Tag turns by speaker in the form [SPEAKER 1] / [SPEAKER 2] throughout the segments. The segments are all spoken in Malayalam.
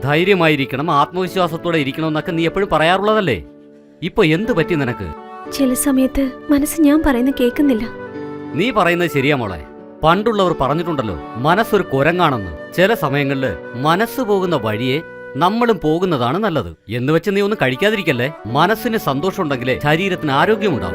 [SPEAKER 1] ധൈര്യമായിരിക്കണം, ആത്മവിശ്വാസത്തോടെ ഇരിക്കണമെന്നൊക്കെ നീ എപ്പോഴും പറയാറുള്ളതല്ലേ. ഇപ്പൊ എന്ത് പറ്റി നിനക്ക്?
[SPEAKER 2] ചില സമയത്ത് മനസ്സ് ഞാൻ പറയുന്നത് കേൾക്കുന്നില്ല.
[SPEAKER 1] നീ പറയുന്നത് ശരിയാ മോളെ. പണ്ടുള്ളവർ പറഞ്ഞിട്ടുണ്ടല്ലോ, മനസ്സൊരു കുരങ്ങാണെന്ന്. ചില സമയങ്ങളില് മനസ്സ് പോകുന്ന വഴിയെ നമ്മളും പോകുന്നതാണ് നല്ലത്. എന്ന് വെച്ച് നീ ഒന്നും കഴിക്കാതിരിക്കല്ലേ. മനസ്സിന് സന്തോഷമുണ്ടെങ്കിലേ ശരീരത്തിന് ആരോഗ്യമുണ്ടാവും.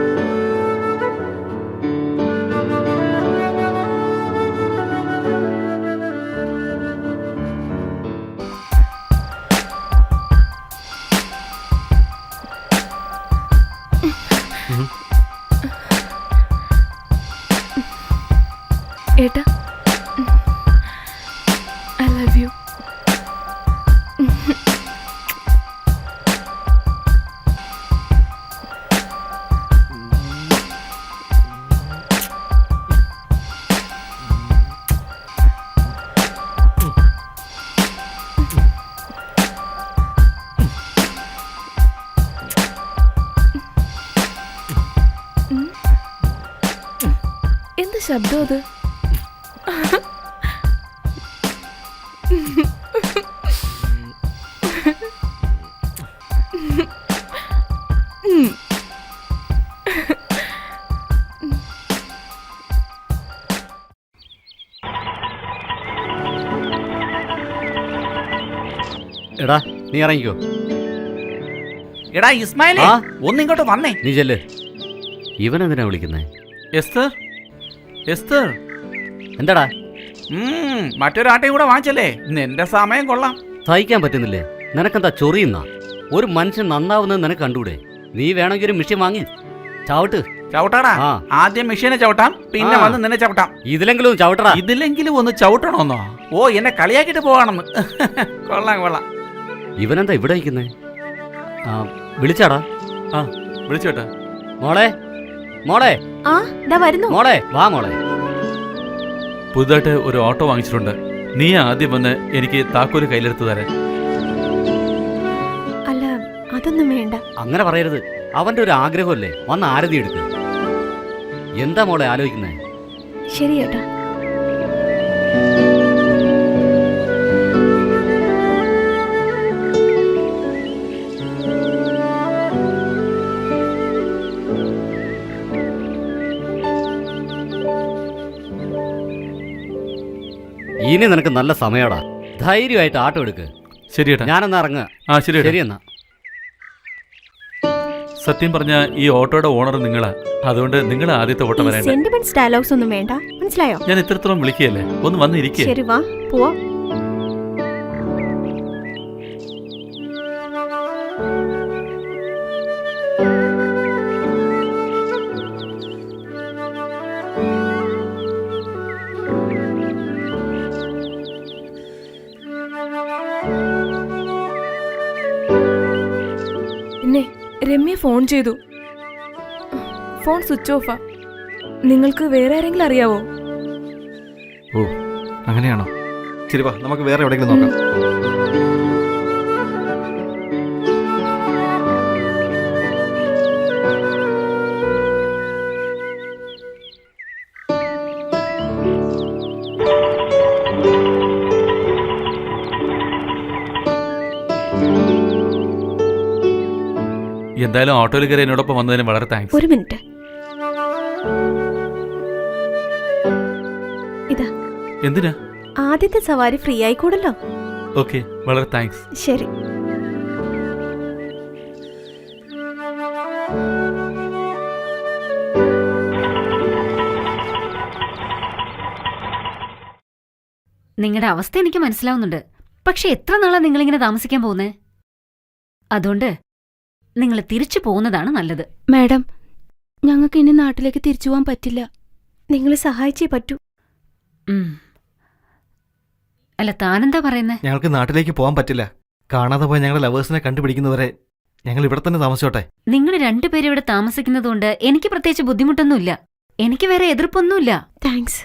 [SPEAKER 2] ഏട്ടാ, ഐ ലവ് യു. എന്ത് ശബ്ദം അത്?
[SPEAKER 1] എടാ നീ ഇറങ്ങിക്കോ.
[SPEAKER 3] എടാ ഇസ്മായിലേ, ഒന്നിങ്ങോട്ട് വന്നേ.
[SPEAKER 1] നീ ചെല്ല്. ഇവനെന്തിനാ വിളിക്കുന്നേ?
[SPEAKER 3] എസ്തർ, എസ്തർ.
[SPEAKER 1] എന്താടാ?
[SPEAKER 3] മറ്റൊരാട്ടയും കൂടെ വാങ്ങിച്ചല്ലേ, നിന്റെ സമയം കൊള്ളാം.
[SPEAKER 1] സഹിക്കാൻ പറ്റുന്നില്ലേ? നിനക്കെന്താ ചൊറിയുന്ന? ഒരു മനുഷ്യൻ നന്നാവുന്നത് നിനക്ക് കണ്ടൂടെ? നീ വേണമെങ്കിൽ ഒരു മെഷീൻ വാങ്ങി ചവിട്ട്.
[SPEAKER 3] ചവിട്ടാടാ. ആദ്യം മെഷീനെ ചവിട്ടാം, പിന്നെ വന്ന് നിന്നെ ചവിട്ടാം.
[SPEAKER 1] ഇതിലെങ്കിലും ചവിട്ടടാ.
[SPEAKER 3] ഇതിലെങ്കിലും ഒന്ന് ചവിട്ടണമെന്നോ? ഓ, എന്നെ കളിയാക്കിട്ട് പോവാണെന്ന്. കൊള്ളാം കൊള്ളാം.
[SPEAKER 1] ഇവനെന്താ ഇവിടെ ഇരിക്കുന്നേ? വിളിച്ചാടാ?
[SPEAKER 3] വിളിച്ചോട്ടാ.
[SPEAKER 1] മോളെ, മോളെ.
[SPEAKER 2] വരുന്നു
[SPEAKER 1] മോളെ, വാ മോളെ.
[SPEAKER 3] പുതുതായിട്ട് ഒരു ഓട്ടോ വാങ്ങിച്ചിട്ടുണ്ട്. നീ ആദ്യം വന്ന് എനിക്ക് താക്കോല് കയ്യിലെടുത്ത് തരാൻ.
[SPEAKER 2] അല്ല, അതൊന്നും വേണ്ട.
[SPEAKER 1] അങ്ങനെ പറയരുത്. അവന്റെ ഒരു ആഗ്രഹമല്ലേ, വന്ന് ആരതി എടുക്ക്. എന്താ മോളെ ആലോചിക്കുന്നേ?
[SPEAKER 2] ശരി ഏട്ടാ.
[SPEAKER 1] ഇനി നിനക്ക് നല്ല സമയടാ. ധൈര്യമായിട്ട് ആട്ടോ എടുക്ക്.
[SPEAKER 3] ശരിയേട്ടാ,
[SPEAKER 1] ഞാനെന്നാ ഇറങ്ങുക. ശരി എന്നാ.
[SPEAKER 3] സത്യം പറഞ്ഞ ഈ ഓട്ടോയുടെ ഓണർ നിങ്ങളാ. അതുകൊണ്ട് നിങ്ങൾ ആദ്യത്തെ ഓട്ടം വരേണ്ട.
[SPEAKER 2] സെന്റിമെന്റ്സ് ഡയലോഗ്സ് ഒന്നും വേണ്ട, മനസ്സിലായോ?
[SPEAKER 3] ഞാൻ ഇത്രത്തോളം വിളിക്കുകയല്ലേ, ഒന്ന് വന്നിരിക്കേ.
[SPEAKER 2] ശരി, വാ പോവാ.
[SPEAKER 4] പിന്നെ രമ്യ ഫോൺ ചെയ്തു. ഫോൺ സ്വിച്ച് ഓഫാ. നിങ്ങൾക്ക് വേറെ ആരെങ്കിലും അറിയാവോ?
[SPEAKER 5] ഓ, അങ്ങനെയാണോ? ശരി, വാ നമുക്ക് വേറെ എവിടെയെങ്കിലും നോക്കാം.
[SPEAKER 3] എന്തായാലും ഓട്ടോയിൽ കയറി എന്നോടൊപ്പം വന്നതിന് വളരെ താങ്ക്സ്.
[SPEAKER 2] ഒരു മിനിറ്റ്. ഇതാ.
[SPEAKER 3] എന്തിനാ?
[SPEAKER 2] ആദ്യത്തെ സവാരി ഫ്രീ ആയിക്കൂടല്ലോ.
[SPEAKER 3] ഓക്കെ, വളരെ താങ്ക്സ്.
[SPEAKER 2] ശരി.
[SPEAKER 6] നിങ്ങളുടെ അവസ്ഥ എനിക്ക് മനസ്സിലാവുന്നുണ്ട്. പക്ഷെ എത്ര നാളാ നിങ്ങളിങ്ങനെ താമസിക്കാൻ പോകുന്നേ? അതുകൊണ്ട് നിങ്ങൾ തിരിച്ചു പോകുന്നതാണ് നല്ലത്.
[SPEAKER 2] മാഡം, ഞങ്ങൾക്ക് ഇനി നാട്ടിലേക്ക് തിരിച്ചു പോകാൻ പറ്റില്ല. നിങ്ങൾ സഹായിച്ചേ പറ്റൂ.
[SPEAKER 6] അല്ല, താനെന്താ പറയുന്നേ?
[SPEAKER 5] ഞങ്ങൾക്ക് നാട്ടിലേക്ക് പോകാൻ പറ്റില്ല. കാണാതെ പോയ ഞങ്ങളുടെ ലവേഴ്സിനെ കണ്ടുപിടിക്കുന്നവരെ ഞങ്ങൾ ഇവിടെ തന്നെ താമസിച്ചോട്ടെ.
[SPEAKER 6] നിങ്ങൾ രണ്ടുപേരും ഇവിടെ താമസിക്കുന്നതുകൊണ്ട് എനിക്ക് പ്രത്യേകിച്ച് ബുദ്ധിമുട്ടൊന്നുമില്ല. എനിക്ക് വേറെ എതിർപ്പൊന്നുമില്ല.
[SPEAKER 2] താങ്ക്സ്.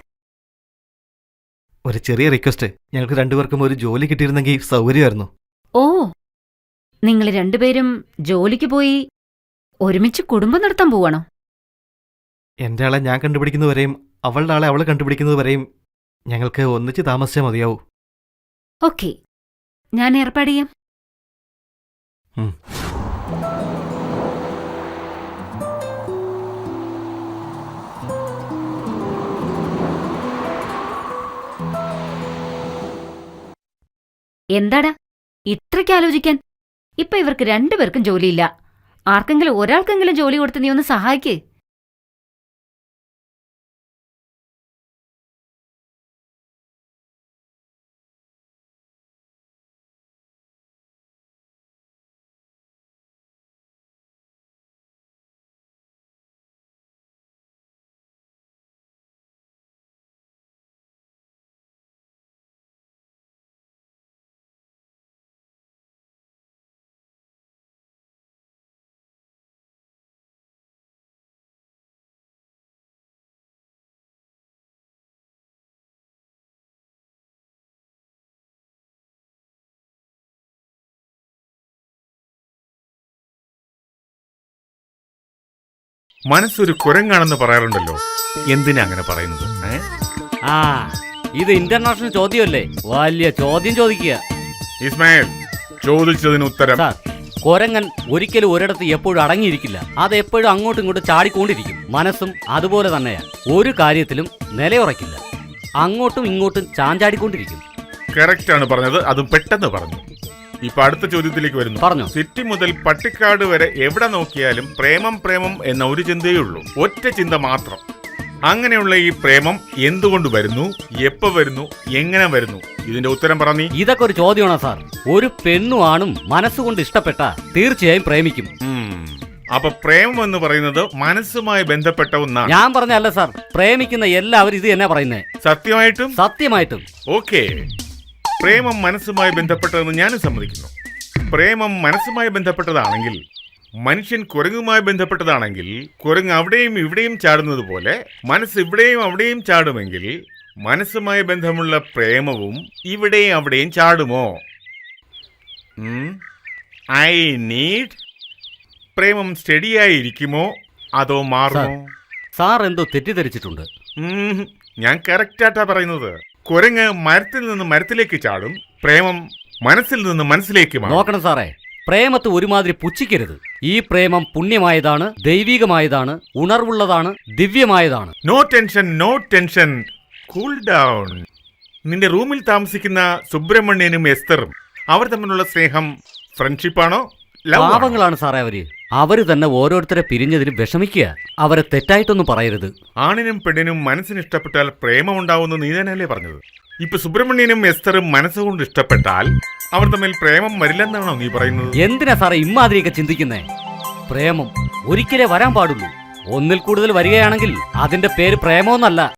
[SPEAKER 5] ഒരു ചെറിയ റിക്വസ്റ്റ്, ഞങ്ങൾക്ക് രണ്ടുപേർക്കും ഒരു ജോലി കിട്ടിയിരുന്നെങ്കിൽ സൗകര്യമായിരുന്നു.
[SPEAKER 6] ഓ, നിങ്ങൾ രണ്ടുപേരും ജോലിക്ക് പോയി ഒരുമിച്ച് കുടുംബം നടത്താൻ പോവാണോ?
[SPEAKER 5] എന്റെ ആളെ ഞാൻ കണ്ടുപിടിക്കുന്നവരെയും അവളുടെ ആളെ അവൾ കണ്ടുപിടിക്കുന്നതുവരെയും ഞങ്ങൾക്ക് ഒന്നിച്ച് താമസിച്ചാൽ മതിയാവൂ.
[SPEAKER 6] ഓക്കെ, ഞാൻ ഏർപ്പാട് ചെയ്യാം.
[SPEAKER 5] ഉം.
[SPEAKER 6] എന്താടാ ഇത്രയ്ക്ക് ആലോചിക്കാൻ? ഇപ്പൊ ഇവർക്ക് രണ്ടുപേർക്കും ജോലിയില്ല. ആർക്കെങ്കിലും ഒരാൾക്കെങ്കിലും ജോലി കൊടുത്ത് നീ ഒന്ന് സഹായിക്ക്.
[SPEAKER 7] മനസ്സൊരു കുരങ്ങാണെന്ന് പറയാറുണ്ടല്ലോ, എന്തിനാ അങ്ങനെ പറയുന്നത്?
[SPEAKER 1] ആ ഇത് ഇന്റർനാഷണൽ ചോദ്യമല്ലേ, വലിയ ചോദ്യം ചോദിക്കുക.
[SPEAKER 7] ഇസ്മായിൽ, ചോദിച്ചതിന് ഉത്തരം.
[SPEAKER 1] സാർ, കൊരങ്ങൻ ഒരിക്കലും ഒരിടത്ത് എപ്പോഴും അടങ്ങിയിരിക്കില്ല. അത് എപ്പോഴും അങ്ങോട്ടും ഇങ്ങോട്ടും ചാടിക്കൊണ്ടിരിക്കും. മനസ്സും അതുപോലെ തന്നെയാണ്. ഒരു കാര്യത്തിലും നിലയുറക്കില്ല, അങ്ങോട്ടും ഇങ്ങോട്ടും ചാഞ്ചാടിക്കൊണ്ടിരിക്കും.
[SPEAKER 7] കറക്റ്റ് ആണ് പറഞ്ഞത്, അതും പെട്ടെന്ന് പറഞ്ഞു. ഇപ്പൊ അടുത്ത ചോദ്യത്തിലേക്ക് വരുന്നു.
[SPEAKER 1] പറഞ്ഞോ.
[SPEAKER 7] സിറ്റി മുതൽ പട്ടിക്കാട് വരെ എവിടെ നോക്കിയാലും പ്രേമം പ്രേമം എന്ന ഒരു ചിന്തയേ ഉള്ളൂ, ഒറ്റ ചിന്ത മാത്രം. അങ്ങനെയുള്ള ഈ പ്രേമം എന്തുകൊണ്ട് വരുന്നു, എപ്പോ വരുന്നു, എങ്ങനെ വരുന്നു? ഇതിന്റെ ഉത്തരം പറഞ്ഞീ.
[SPEAKER 1] ഇതൊക്കെ ഒരു ചോദ്യമാണോ സാർ? ഒരു പെണ്ണും ആണും മനസ്സുകൊണ്ട് ഇഷ്ടപ്പെട്ട തീർച്ചയായും പ്രേമിക്കും.
[SPEAKER 7] അപ്പൊ പ്രേമം എന്ന് പറയുന്നത് മനസ്സുമായി ബന്ധപ്പെട്ട ഒന്നാണ്.
[SPEAKER 1] ഞാൻ പറഞ്ഞല്ല സാർ, പ്രേമിക്കുന്ന എല്ലാവരും ഇത് തന്നെ പറയുന്നേ.
[SPEAKER 7] സത്യമായിട്ടും?
[SPEAKER 1] സത്യമായിട്ടും.
[SPEAKER 7] ഓക്കെ, പ്രേമം മനസ്സുമായി ബന്ധപ്പെട്ടതെന്ന് ഞാനും സമ്മതിക്കുന്നു. പ്രേമം മനസ്സുമായി ബന്ധപ്പെട്ടതാണെങ്കിൽ, മനുഷ്യൻ കുരങ്ങുമായി ബന്ധപ്പെട്ടതാണെങ്കിൽ, കുരങ്ങ് അവിടെയും ഇവിടെയും ചാടുന്നത് പോലെ മനസ്സ് ഇവിടെയും അവിടെയും ചാടുമെങ്കിൽ, മനസ്സുമായി ബന്ധമുള്ള പ്രേമവും ഇവിടെയും അവിടെയും ചാടുമോ? I need. പ്രേമം സ്റ്റഡിയായിരിക്കുമോ അതോ മാറുമോ?
[SPEAKER 1] സാർ എന്തോ തെറ്റിദ്ധരിച്ചിട്ടുണ്ട്.
[SPEAKER 7] ഞാൻ കറക്റ്റായിട്ടാ പറയുന്നത്. കുരങ്ങ് മരത്തിൽ നിന്ന് മരത്തിലേക്ക് ചാടും, പ്രേമം മനസ്സിൽ നിന്ന് മനസ്സിലേക്ക് മാറും.
[SPEAKER 1] നോക്കണം സാറേ, പ്രേമത്തെ ഒരുമാതിരി പുച്ഛിക്കരുത്. ഈ പ്രേമം പുണ്യമായതാണ്, ദൈവികമായതാണ്, ഉണർവുള്ളതാണ്, ദിവ്യമായതാണ്.
[SPEAKER 7] No tension, no tension, cool down. നിന്റെ റൂമിൽ താമസിക്കുന്ന സുബ്രഹ്മണ്യനും എസ്തറും അവർ തമ്മിലുള്ള സ്നേഹം ഫ്രണ്ട്ഷിപ്പാണോ, ലവ് ആണോ?
[SPEAKER 1] പാപങ്ങളാണ് സാറേ അവര് തന്നെ ഓരോരുത്തരെ പിരിഞ്ഞതിന് വിഷമിക്കുക. അവരെ തെറ്റായിട്ടൊന്നും പറയരുത്.
[SPEAKER 7] ആണിനും പെണ്ണിനും മനസ്സിന് ഇഷ്ടപ്പെട്ടാൽ പ്രേമമുണ്ടാവുമെന്ന് നീ തന്നെയല്ലേ പറഞ്ഞത്? ഇപ്പൊ സുബ്രഹ്മണ്യനും എസ്തറും മനസ്സുകൊണ്ട് ഇഷ്ടപ്പെട്ടാൽ അവർ തമ്മിൽ പ്രേമം വരില്ലെന്നാണോ നീ പറയുന്നത്?
[SPEAKER 1] എന്തിനാ സാറേ ഇമ്മാതിരിയൊക്കെ ചിന്തിക്കുന്നേ? പ്രേമം ഒരിക്കലേ വരാൻ പാടുള്ളൂ. ഒന്നിൽ കൂടുതൽ വരികയാണെങ്കിൽ അതിന്റെ പേര് പ്രേമമൊന്നല്ല.